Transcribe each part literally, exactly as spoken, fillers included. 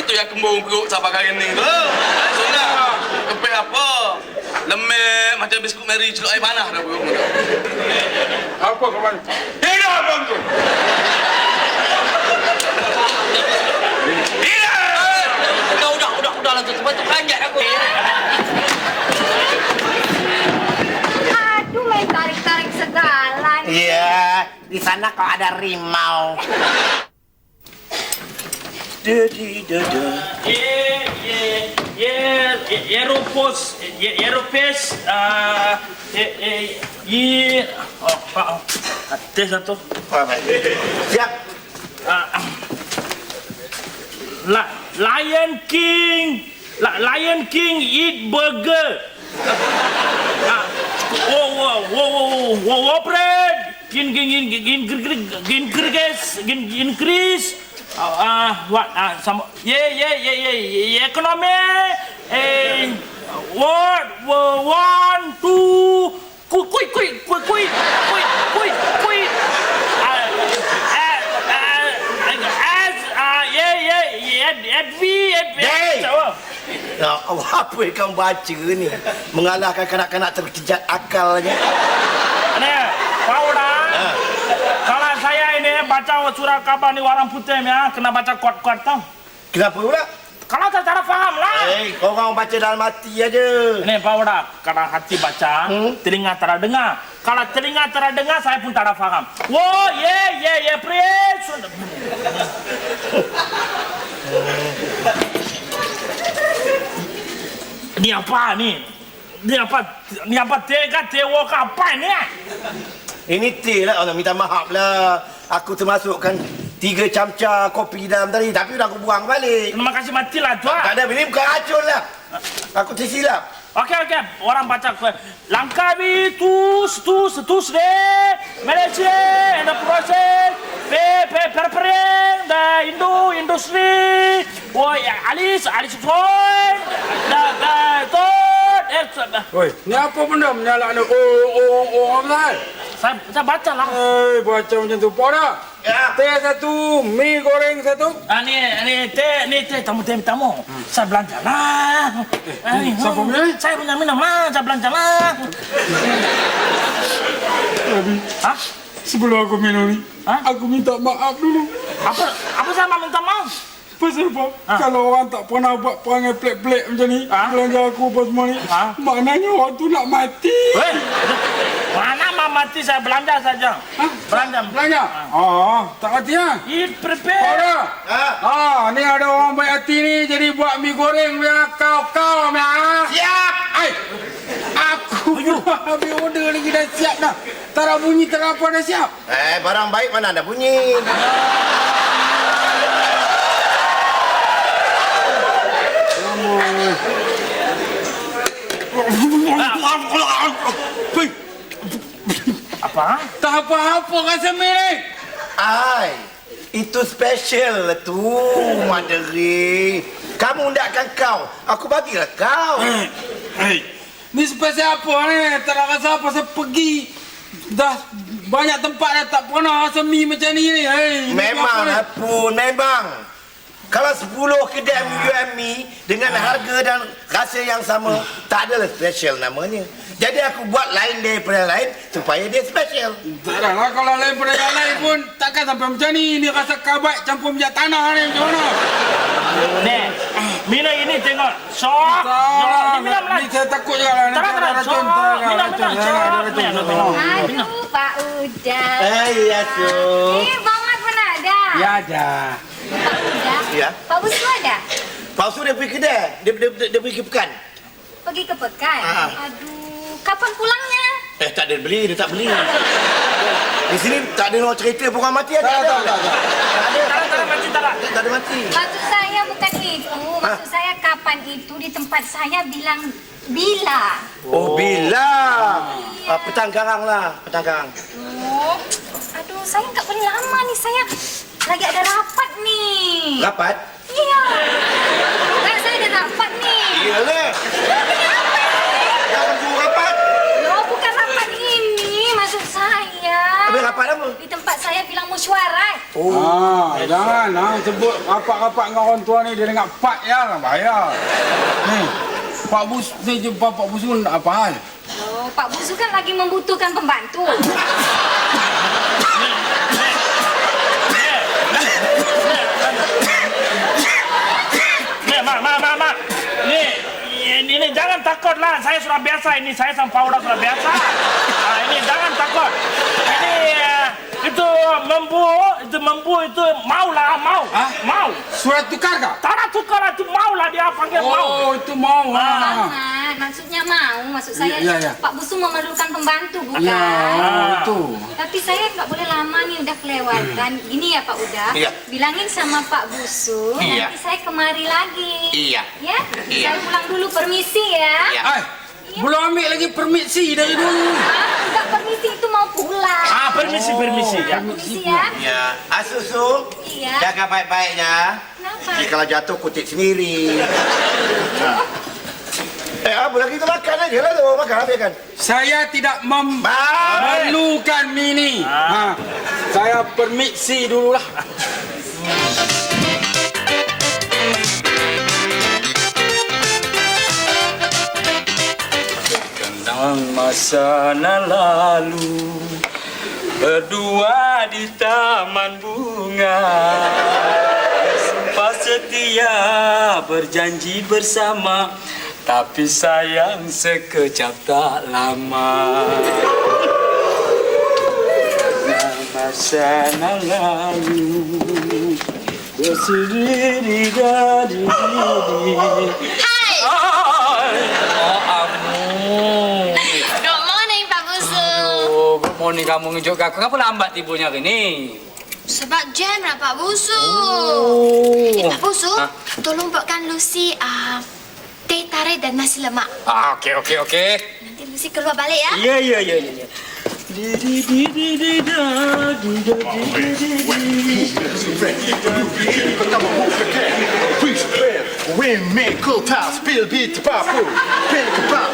itu yang kembung perut sampai kali ni tu. Sudah. Kepek apa? Lemek macam biskut Mary celup air panah dah perut. Apa kawan? Hidup abang tu. Udah, udah, udah, udah lah tu. Sebab tu kanjat aku. Aduh, main tarik-tarik segala nih. Iya, di sana kok ada rimau. Dedi dada. Ye, ye, ye, Europos, ye, Europes, ah, ye, ye, ye, oh, pak, tes satu. Siap. Ah, La, Lion King, La, Lion King eat burger. Ah, oh, oh, oh, oh, oh, oh, bread. Gin, gin, gin, gin, gin, gin, gin, increase, gin, increase. Ah, uh, what? Ah, uh, some. Yeah, yeah, yeah, yeah, yeah. Economy. Eh, what? One, two. Quick, quick, quick, quick, quick, quick, quick, quick. Ah, ah, ah, as, ah, yeah, yeah, yeah. At V, at V. Ya Allah, apa yang kamu baca ni? Mengalahkan kanak-kanak terkejat akalnya. Ni, Pauda. Kalau saya ini baca surat khabar ni warna putih ya, kena baca kuat-kuat tau. Kenapa pula? Kalau tak cara faham lah. Eh, kau orang baca dalam hati aja. Ini Pauda, kalau hati baca, hmm? telinga tak dengar. Kalau telinga tak dengar, saya pun tak faham. Wow, yeah, yeah, yeah, please. Ni apa ni? Ni apa? Ni apa? Tega, tewa ke apa ni? Ini teh lah, orang minta maaf lah. Aku termasukkan tiga camca kopi dalam tadi, tapi dah aku buang balik. Terima kasih matilah tuan. Tak ada, ini bukan racun lah. Aku tersilap. Okey, okey. Orang baca ke Langkawi, tus, tus, tus deh. Malaysia, and the process. Pe, pe, perperen, the Indo, industri. Woi, Alis, Alis Floyd. The, the, tot. Eh, Oi, ni apa benda menyalak ni? Oh, oh, oh, apa saya, saya baca lah. Eh, baca macam tu. Pada. Ya. Teh satu, mie goreng satu. Ah, ni, ni teh, ni teh, tamu, teh, tamu. Saya belanja lah. Eh, siapa punya? Saya punya minum lah, saya belanja lah. Abi, Hah? sebelum aku minum ni, Hah? aku minta maaf dulu. Apa, apa saya minta maaf? Pasal apa? Ha? Kalau orang tak pernah buat perangai pelik-pelik macam ni, Ha? belanja aku apa semua ni, Ha? maknanya orang tu nak mati. Weh, mana mau mati saya belanja saja. Ha? Belanja. Belanja? Ah, tak mati ha? Eat prepare. Pada. Ha? Ah, ni ada orang baik hati ni jadi buat mi goreng biar kau-kau ni ha. Siap! Ai. Aku dah habis order lagi dah siap dah. Tak ada bunyi, tak ada apa dah siap. Eh, barang baik mana ada bunyi. Apa? Tak apa-apa rasa mi ni. Ai, itu special lah tu, Maderi. Kamu undakkan kau, aku bagilah kau. Hei, hei. Ni spesial apa ni? Tak nak rasa apa, saya pergi. Dah banyak tempat dah tak pernah rasa mi macam ni ni. Hei, ni Memang apa ni? pun, memang. Kalau sepuluh kedai menjual mi dengan harga dan rasa yang sama, tak adalah special namanya. Jadi aku buat lain daripada lain supaya dia special. Tak ada lah, kalau lain pada yang lain pun takkan sampai macam ni. Ni rasa kabat campur minyak tanah ni macam mana? Ni, mina ini tengok. Sok. Tak, Minum lah. ni saya takut juga lah. Tak ada, tak ada. Sok. Minum, minum. Sok. Aduh, Pak Uda. Eh, ya, so. Eh, Bang Mat pun ada. Ya, ada. Pak Uda. Ya. Pak Busma ada? Palsu dia pergi kedai, dia, dia, dia, dia pergi ke pekan. Pergi ke pekan? Ah. Aduh, kapan pulangnya? Eh, tak ada beli, dia tak beli. Di sini tak ada orang cerita pun orang mati ada. Tak, ada. tak, tak, tak. Tak ada. Tak ada, tak ada mati, tak ada. Tak ada mati. Maksud saya bukan itu. Maksud saya kapan itu di tempat saya bilang bila. Oh, bila? Ah, petang garang lah, petang garang. Oh, aduh, saya nggak boleh lama nih. Saya lagi ada rapat nih. Rapat? Iya. Kan saya ada rapat nih. Iyalah. Jangan suruh rapat. Loh, bukan rapat ini. Maksud saya. Habis rapat apa? Di tempat saya bilang mau mesyuarat. Oh. Ah, jangan ah sebut rapat-rapat dengan orang tua ni dia dengar Pak ya, bahaya. Ni, Pak Bus ni jumpa Pak Busun apa hal? Oh, Pak Busu kan lagi membutuhkan pembantu. Nih, mak, mak, mak, mak. Nih, ini, ini jangan takutlah. Saya sudah biasa ini. Saya sama Pak Uda sudah biasa. Nah, ini jangan takut. Ini uh, itu membu, itu membu itu maulah, mau, Hah? mau. Surat tukar kah? Tanah tukar itu maulah dia panggil mau. Oh, itu mau. Ah. Ah, maksudnya mau, maksud saya Ya, ya, ya. Pak Busu memerlukan pembantu bukan? Ya, oh, itu. Tapi saya nggak boleh lama nih udah kelewatan. Gini ya Pak Uda, Iya. bilangin sama Pak Busu Iya. nanti saya kemari lagi. Iya. Ya, Iya. saya pulang dulu permisi ya. Iya. Ai, belum ambil lagi permisi dari dulu. Ah, enggak permisi itu mau pulang. Ah, permisi, permisi ya. Permisi ya. Ya, Asusu. Iya. Jaga baik-baik ya. Kenapa? Jadi kalau jatuh kutip sendiri. Eh, apa lagi kita makan aja lah tu. Makan habis kan. Saya tidak mem Baik. memerlukan mini. Ha. Saya permisi dululah. Kenang masa lalu berdua di taman bunga, sumpah setia berjanji bersama, tapi sayang sekejap tak lama. Masa lalu bersendiri dari diri. Hai. Oh, ampun. Good morning, Pak Busu. Oh, good morning kamu ngejok aku. Kenapa lambat tiburnya hari ni? Sebab jam lah, Pak Busu. Oh. Eh, Pak Busu, Ha? tolong buatkan Lucy uh, teh tarik dan nasi lemak. Ah, okey, okey, okey. Nanti Lucy keluar balik ya. Ya, ya, ya, ya. ya. Di di di di di da di da di di di. Windmaker tas, spill bit papu, pil kebab.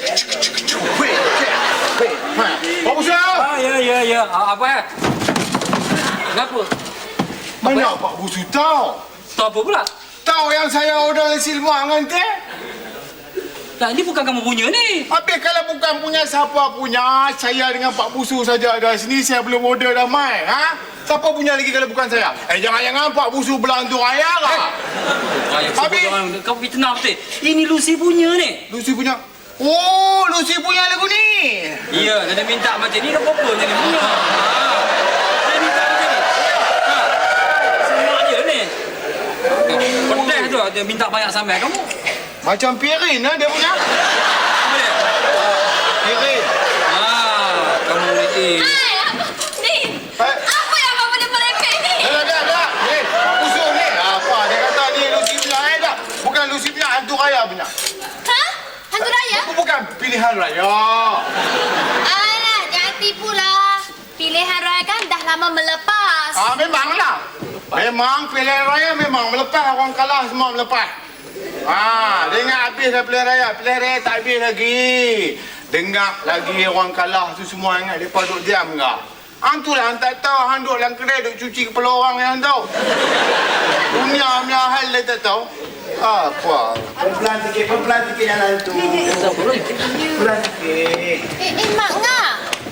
Pak Busu! Ah, ya, ya, ya. Ah, apa ya? Kenapa? Mana Pak Busu tahu? Tahu apa pula? Tahu yang saya order nasi lemak dengan teh? Nah, ini bukan kamu punya ni. Habis kalau bukan punya siapa punya, saya dengan Pak Busu saja ada sini, saya belum order dah mai. Ha? Siapa punya lagi kalau bukan saya? Eh, jangan-jangan Pak Busu belantu raya lah. Ayah, Habis? sebut kau pergi tenang betul. Ini Lucy punya ni. Lucy punya. Oh, Lucy punya lagu ni. Ya, dia minta macam ni, dah apa-apa macam ni punya. Dia minta macam ni. Ha. Semua dia ni. Pedas tu, dia minta banyak sampai kamu. Macam Pirin lah dia punya. Apa dia? Pirin. Ah, kamu ni. Hai, apa? Ni, Eh, apa yang Bapak boleh merepek ni? dah, dah, dah. Ni, Pak Busu ni. Apa? Dia kata ni Lucy punya. Eh, dah. Bukan Lucy punya, hantu raya punya. Ha? Hantu raya? Itu bukan pilihan raya. Alah, jangan tipu lah. Pilihan raya kan dah lama melepas. Ah, memanglah. Memang pilihan raya memang melepas. Orang kalah semua melepas. Ah, dengar habis dah pilihan raya. Pilihan raya tak habis lagi. Dengar lagi orang kalah tu semua ingat mereka duduk diam ke? Hang tu lah hang tak tahu. Hang duduk dalam kedai duduk cuci kepala orang yang hang tahu. Dunia punya hal dia tak tahu. Apa? Pelan sikit, pelan sikit jalan tu. Pelan sikit. Eh, eh, Mak Ngah.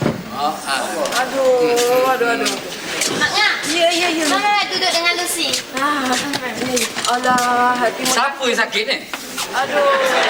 Aduh, aduh, aduh. Mak Ngah. Ya, ya, ya. Mana nak duduk dengan Lucy? Ah, ni. Alah, hati mu. Siapa yang sakit ni? Aduh.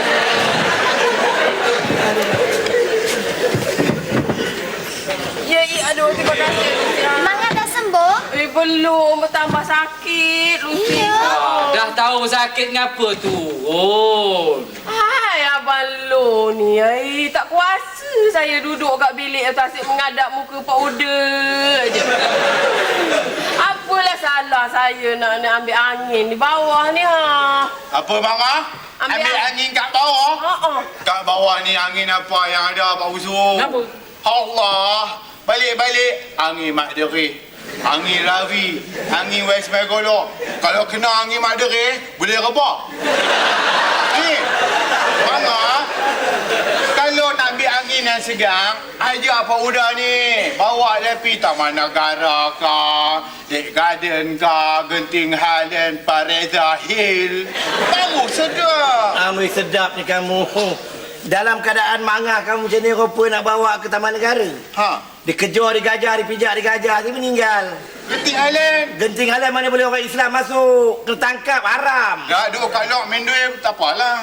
Ya, ya, aduh, terima kasih. Lucy. Mak Ngah dah sembuh? Eh, belum. Bertambah sakit, Lucy. Iya. Dah tahu sakit ngapa tu? Oh. Hai, Abang Lo ni. Ay, tak kuasa saya duduk kat bilik atas asyik mengadap muka Pak Uda je. Apalah salah saya nak, nak ambil angin di bawah ni, ha? Apa Mama? Ambil Ambil, ang- angin kat bawah? Ha-ha. Kat bawah ni angin apa yang ada Pak Busu? Kenapa? Allah. Balik-balik angin Mak Deri. Angin Ravi. Angin West Megolo. Kalau kena angin Mak Deri, boleh rebah. Ni. Mama. Kalau nak ambil angin Hari ni segang, ajak apa udah ni? Bawa dia pergi Taman Negara ke, Dek Garden ke, Genting Highland, Pareza Hill. Baru sedap. Amboi sedap ni kamu. Dalam keadaan mangah kamu macam ni rupa nak bawa ke Taman Negara. Ha, Dikejar, digajah, dipijak, digajah, dia meninggal. Genting Highland. Genting Highland mana boleh orang Islam masuk. Kena tangkap, haram. Dah duduk kat lock main duit, tak apalah.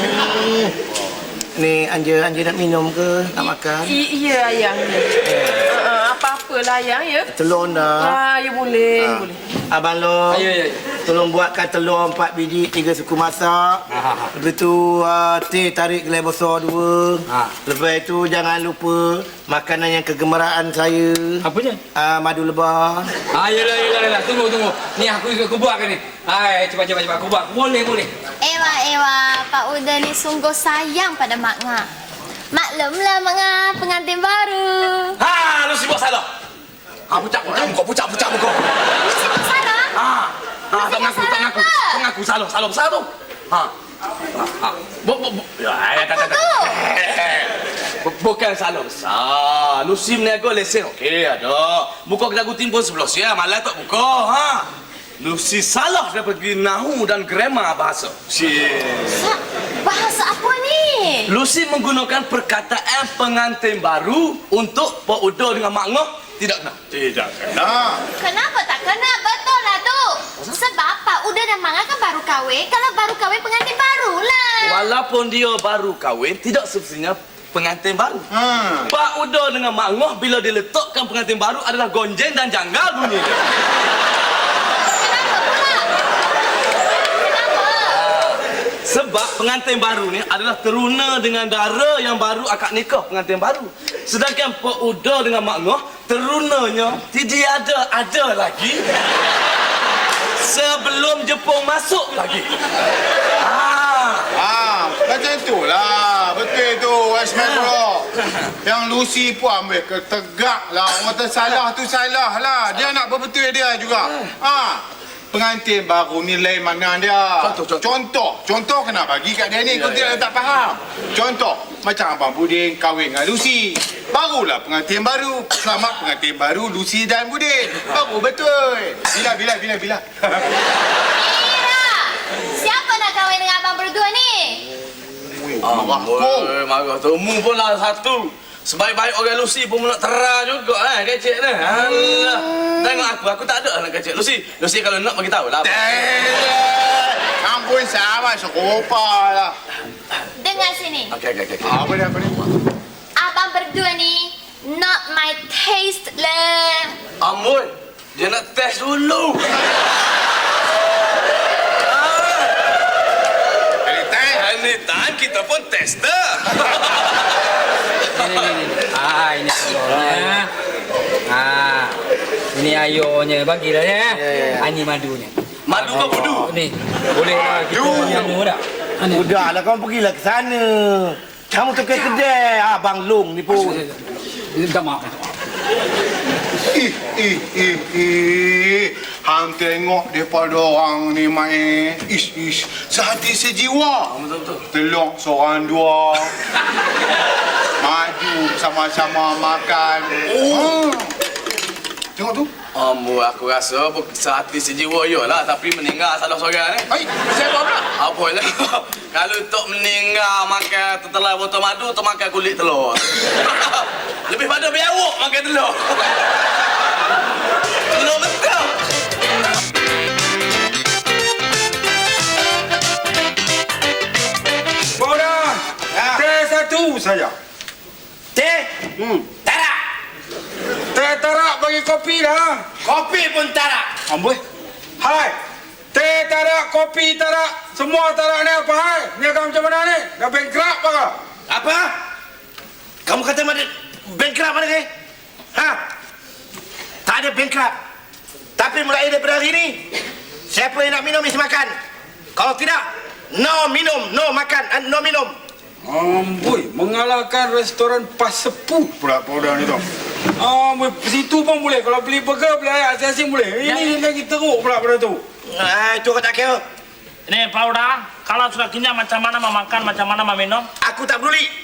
Ni Anja, Anja nak minum ke? Nak makan? I- iya ayang. Uh, apa-apalah ayang ya. Telur dah. Ah, ya boleh, Ah. boleh. Abang Long, Ayo, ayo. tolong buatkan telur empat biji, tiga suku masak. Ha. Lepas tu uh, teh tarik gelai besar dua. Ha. Lepas tu jangan lupa makanan yang kegemaran saya. Apa je? Uh, madu lebah. Ah, yelah, yelah, yelah. Tunggu, tunggu. Ni aku aku buatkan ni. Hai, cepat, cepat, cepat. Aku buat. Boleh, boleh. Ewa, Ewa, Pak Uda ni sungguh sayang pada Mak Nga. Maklumlah Mak Nga, pengantin baru. Ha, lu sibuk salah. Ha, pucak, pucak muka, pucak, pucak muka. Lu sibuk salah? Ha, ha, tak ngaku, tak ngaku. Tak ngaku, salah, salah besar tu. Ha. Ha. Bu, bu, bu. Ya, ya, tak, tak, tak. Bu- Bukan salah besar. Lu sim nego lesen, okey, ada. Buka kedai guting pun sebelah siang, malah tak buka, ha. Lu si salah dari pergi nahu dan grammar bahasa. Si. Sa- bahasa apa ni? Lucy menggunakan perkataan pengantin baru untuk Pak Uda dengan Mak Ngoh tidak kena. Tidak kena. Kenapa tak kena? Betul lah tu. Sebab Pak Uda dan Mak Nga kan baru kahwin. Kalau baru kahwin pengantin barulah. Walaupun dia baru kahwin, tidak semestinya pengantin baru. Hmm. Pak Uda dengan Mak Ngoh bila diletakkan pengantin baru adalah gonjeng dan janggal bunyi. Kenapa pula? Kenapa? Sebab pengantin baru ni adalah teruna dengan dara yang baru akad nikah pengantin baru. Sedangkan Pak Uda dengan Mak Ngoh terunanya tidak ada ada lagi sebelum Jepun masuk lagi. Ah, Ah, macam itulah. Betul tu, Westman Bro. Yang Lucy pun ambil ketegak lah. Orang tersalah tu salah lah. Dia nak berbetul dia juga. Ah, pengantin baru ni lain mana dia. Contoh, contoh. Contoh. Contoh kena bagi kat dia ni. Kau tidak tak faham. Contoh. Macam Abang Budin kahwin dengan Lucy. Barulah pengantin baru. Selamat pengantin baru Lucy dan Budin. Baru betul. Bila, bila, bila, bila. Ira, siapa nak kahwin dengan abang berdua ni? Marah Oi, kau. marah tu. Mu pun lah satu. Sebaik-baik orang Lucy pun nak terah juga eh kecik ni. Alah. Tengok aku, aku tak ada anak kecik. Lucy, Lucy kalau nak bagi tahu lah. Ampun sama serupa lah. Dengar sini. Okey, okey, okey. Apa dia, apa dia? Abang berdua ni not my taste lah. Amboi, dia nak test dulu. Anytime kita pun tester. Ini, ini, ini. Ah, ini telurnya. Ah, ini ayonya. Bagilah ya. Ah, ini madunya. Madu ke budu? Oh, ni. Boleh lah kita jamu tak? Ini. Udahlah, kamu pergilah ke sana. Kamu tu ke kedai Abang Long ni pun. Minta maaf. Ih, ih, ih, ih. Hang tengok daripada orang ni main. Ish, ish. Sehati sejiwa. Betul-betul. Telur seorang dua. Maju sama-sama makan. Oh. Tengok tu. Ambo, aku rasa sehati sejiwa ya lah, tapi meninggal salah seorang ni. Hai, siapa pula? Apa lah? Kalau tok meninggal makan tetelah botol madu, tok makan kulit telur. Lebih pada biawak makan telur. Telur betul. Bodoh. Teh satu saja. Teh? Hmm. Tarak. Teh tarak bagi kopi dah. Kopi pun tarak. Amboi. Hai. Teh tarak, kopi tarak, semua tarak ni apa hai? Niaga macam mana ni? Dah bankrupt apa? Apa? Kamu kata mana bankrupt mana ni? Ha? Tak ada bankrupt. Tapi mulai daripada hari ini, siapa yang nak minum mesti makan. Kalau tidak, no minum, no makan, and no minum. Amboi, mengalahkan restoran Pasepu pula pula ni tu. Amboi, situ pun boleh. Kalau beli burger, beli ayam asing boleh. Ini lagi teruk pula pada tu. Ah, itu kau tak kira. Ini Pak Uda, kalau sudah kenyang macam mana mau makan, macam mana mau minum? Aku tak peduli.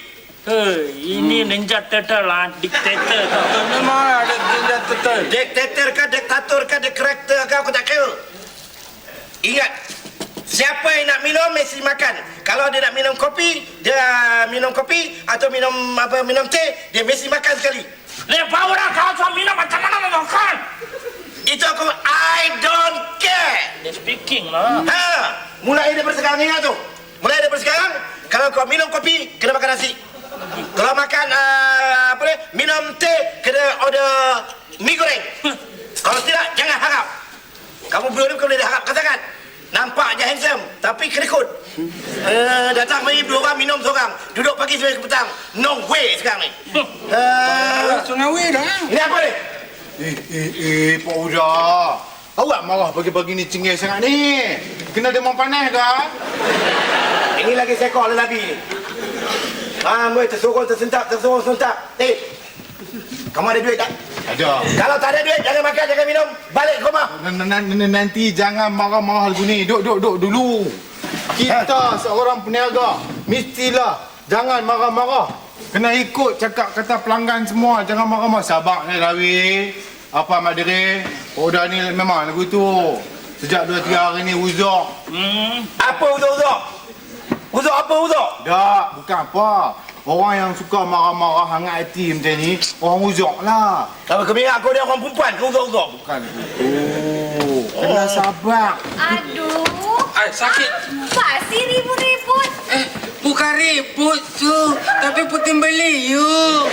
Eh, ini Ninja Turtle lah, diktator. Memang ada tindak betul. Diktator ke diktator ke diktator ke aku tak kira. Ingat, siapa yang nak minum mesti makan. Kalau dia nak minum kopi, dia minum kopi atau minum apa minum teh, dia mesti makan sekali. Lepas orang kau suami minum macam mana mau makan? Itu aku I don't care. Dia speaking lah. Ha, mulai daripada sekarang ingat tu. Mulai daripada sekarang, kalau kau minum kopi, kena makan nasi. Kalau makan uh, apa ni, minum teh, kena order mi goreng. Kalau tidak, jangan harap. Kamu belum kau boleh harap, katakan. Nampak je handsome, tapi kerikut. Uh, datang mari dua orang minum seorang. Duduk pagi sampai ke petang. No way sekarang ni. Uh, Sungai dah. ini apa ni? Eh, eh, eh, Pak Uda. Awak marah pagi-pagi ni cengih sangat ni. Kena demam panas ke? Ini lagi seekor lelaki ni. Ah, boleh tersorong tersentak, tersorong tersentak. Eh, kamu ada duit tak? Ada. Kalau tak ada duit, jangan makan, jangan minum. Balik ke rumah. N- n- n- Nanti jangan marah-marah lagu ni. Duk, duk, duk dulu. Kita seorang peniaga. Mestilah jangan marah-marah. Kena ikut cakap kata pelanggan semua. Jangan marah-marah. Sabar ni Rawi. Apa Mak Diri? Udah ni memang lagu tu. Sejak dua tiga hari ni uzur. Hmm. Apa uzur-uzur? Uzur apa uzur? Tak, bukan apa. Orang yang suka marah-marah hangat hati macam ni, orang uzur lah. Kalau kemihak kau dia orang perempuan, kau uzur-uzur. Bukan itu. Kena sabar. Aduh. Ay, sakit. Apa sih ribut-ribut? Eh, bukan ribut tu, tapi puting beliau.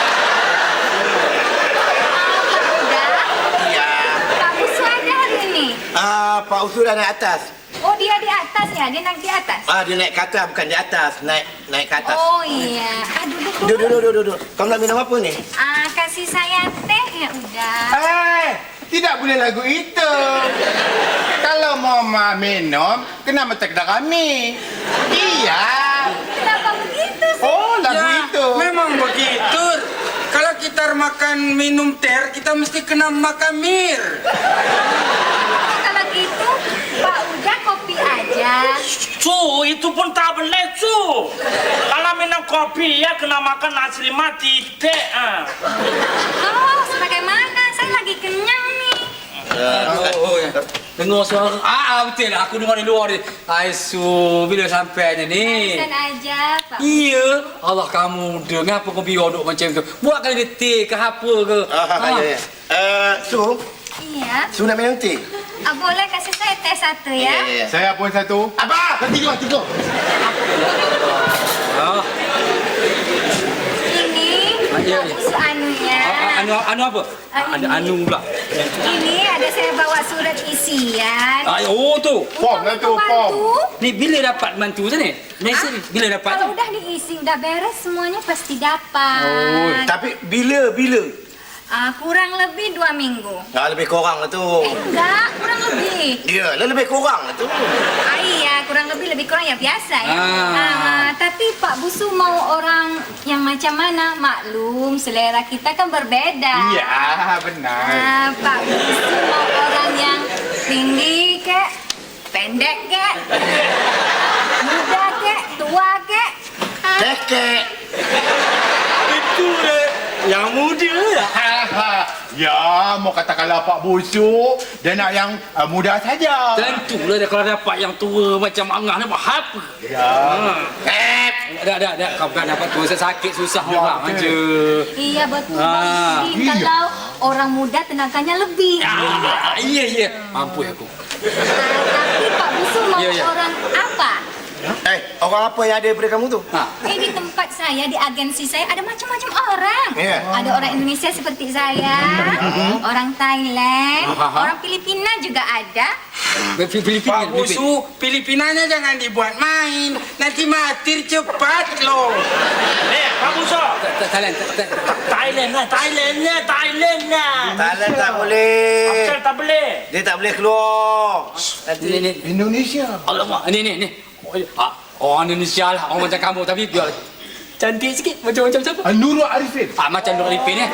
Ya. Pak Busu ada hari ini? Ah, Pak Usul dah naik atas. Oh, dia di atas ya? Dia naik di atas? Ah, dia naik ke atas, bukan di atas. Naik naik ke atas. Oh iya. Ah, duduk Duduk, dulu. duduk, duduk, duduk. Kau nak minum apa ni? Ah, kasih saya teh ya udah. Eh, tidak boleh lagu itu. Kalau mau ma minum, kena mata kedai kami. Iya. Kenapa begitu sih? Oh, lagu itu. Memang begitu. Kalau kita makan minum teh, kita mesti kena makan mir. Kalau gitu, Pak udah kopi aja. Cu, itu pun tak boleh, cu. Kalau minum kopi ya kena makan nasi mati teh. Ah. Oh, sebagaimana? Saya lagi kenyang nih. Oh, oh ya. Dengar suara. Ah, ah, betul lah. Aku dengar di luar ni. Aisu, bila sampai ni? Pesan aja, Pak. Iya. Allah kamu dengar apa kau biar duk macam tu. Buat kali dia teh ke apa ke. Ah, ya, ya. Eh, Su, Iya. Su nak minum teh? Ah, boleh kasih saya teh satu ya? ya. Saya pun satu. Apa? Tiga, tiga. Ah, Ini iya, Pak iya. Busu anunya. ah, anu anu apa? Ah, Ada ini. anu pula. Ini ada saya bawa surat isian. Ah, oh tu. Form lah tu, form. Ni bila dapat mantu tu ni? Mesej ni bila dapat? Kalau udah diisi, udah beres semuanya pasti dapat. Oh, Tapi bila, bila? Ah, kurang lebih dua minggu. Ah, lebih kurang lah tu. Eh, enggak, kurang lebih. Ya, lah lebih kurang lah tu. Ah, iya, kurang lebih lebih kurang ya biasa ya. Ah. Ah, tapi Pak Busu mau orang yang macam mana? Maklum, selera kita kan berbeda. Iya, benar. Ah, Pak Busu mau orang yang tinggi kek, pendek kek, muda kek, tua kek. Tekek. Itu eh, yang muda ya. Ya, mau katakanlah Pak Busuk, dia nak yang uh, muda saja. tentulah dia kalau dapat yang tua macam Angah ni buat apa? Ya. Eh, Dah, dah, dah. Kau bukan dapat tua sakit susah Ya, orang betul. aja. Iya betul Ah, Bang Udin. iya. Kalau orang muda tenaganya lebih. Ah, iya, iya. Mampu aku. Ah, tapi Pak Busu mau Iya, iya. orang apa? eh, orang apa yang ada daripada kamu tu? Ha. Eh, di tempat saya, di agensi saya ada macam-macam orang. Ya. Ada orang Indonesia seperti saya, orang Thailand, Aha. orang Filipina juga ada. Filipina. Pak Busu, Filipinanya jangan dibuat main. Nanti mati cepat loh. Eh, Pak Busu. Thailand. Thailand lah, Thailand lah, Thailand lah. Thailand tak boleh. Asal tak boleh. Dia tak boleh keluar. Nanti Ni, ni. Indonesia. Alamak. Ni, ni, ni. Oh, ah, orang Indonesia lah. Orang macam kamu. Tapi biar cantik sikit. Macam-macam siapa? Uh, Nurul Arifin. Ah, macam Nur Arifin ni.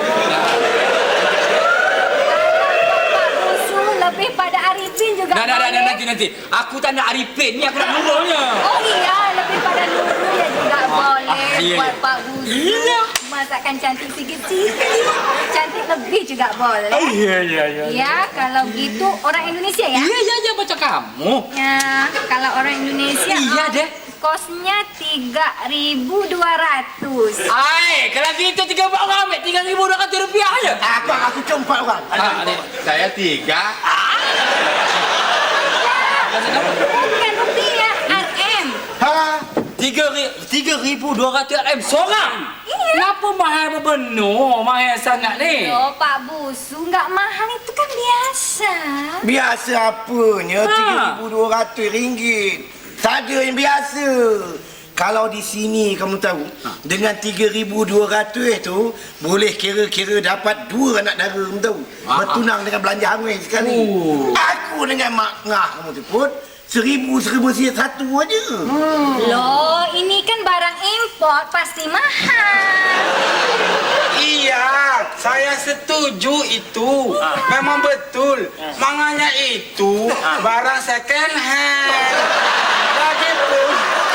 Pak Busu lebih pada Arifin juga Dah, dah, dah, dah, boleh. nanti, nanti. Aku tak nak Arifin ni. Aku nak Nurulnya. Oh iya, lebih pada Nurul ya juga boleh iya, buat iya. Pak Busu. Iya. Masakan cantik sikit-sikit. Cantik lebih juga boleh. Iya, iya, iya. Ya, kalau gitu orang Indonesia ya? Iya, iya, iya, macam kamu. Ya, kalau orang Indonesia Iya, oh, deh. kosnya tiga ribu dua ratus. Ai, kalau gitu tiga empat orang ambil tiga ribu dua ratus rupiah aja. Apa aku cuma empat orang? Ah, ni. Saya tiga. Bukan rupiah, R M. Ha, tiga ri- tiga ribu dua ratus M seorang. Iya. Kenapa mahal benar? Mahal sangat ni. Loh, Pak Busu, nggak mahal itu kan biasa. Biasa apanya Ha. tiga ribu dua ratus ringgit. Saja yang biasa. Kalau di sini kamu tahu, dengan tiga ribu dua ratus tu boleh kira-kira dapat dua anak dara, kamu tahu. Bertunang dengan belanja hangat sekali. Aku dengan mak ngah kamu tu pun seribu seribu siap satu aja. Loh, ini kan barang import pasti mahal. Iya, saya setuju itu. Memang betul. Makanya itu barang second hand. Lagipun,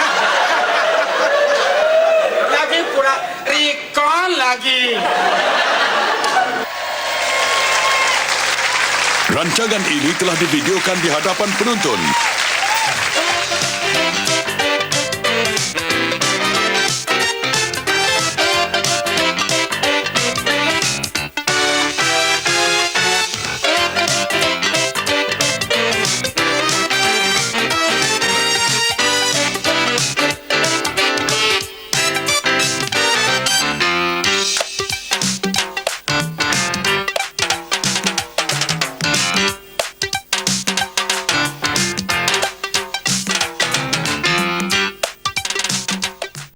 lagi pula recon lagi. Rancangan ini telah divideokan di hadapan penonton.